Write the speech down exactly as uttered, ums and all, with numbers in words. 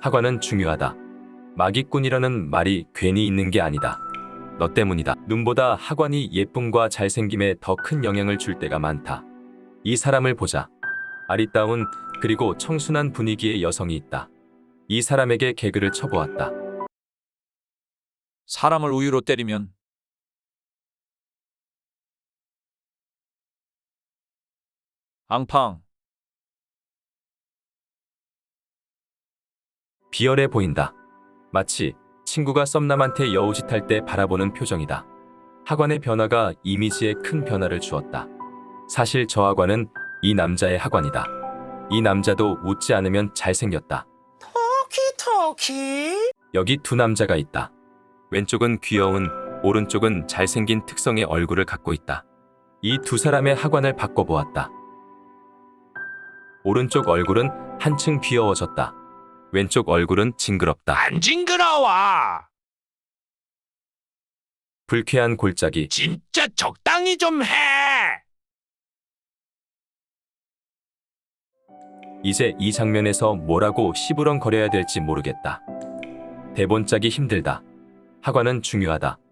학원은 중요하다. 마기꾼이라는 말이 괜히 있는 게 아니다. 너 때문이다. 눈보다 학원이 예쁨과 잘생김에 더 큰 영향을 줄 때가 많다. 이 사람을 보자. 아리따운 그리고 청순한 분위기의 여성이 있다. 이 사람에게 개그를 쳐보았다. 사람을 우유로 때리면 앙팡. 비열해 보인다. 마치 친구가 썸남한테 여우짓할 때 바라보는 표정이다. 학원의 변화가 이미지에 큰 변화를 주었다. 사실 저 학원은 이 남자의 학원이다. 이 남자도 웃지 않으면 잘생겼다. 토키토키. 여기 두 남자가 있다. 왼쪽은 귀여운, 오른쪽은 잘생긴 특성의 얼굴을 갖고 있다. 이 두 사람의 학원을 바꿔보았다. 오른쪽 얼굴은 한층 귀여워졌다. 왼쪽 얼굴은 징그럽다. 안 징그러워. 불쾌한 골짜기. 진짜 적당히 좀 해. 이제 이 장면에서 뭐라고 시부렁거려야 될지 모르겠다. 대본 짜기 힘들다. 학원은 중요하다.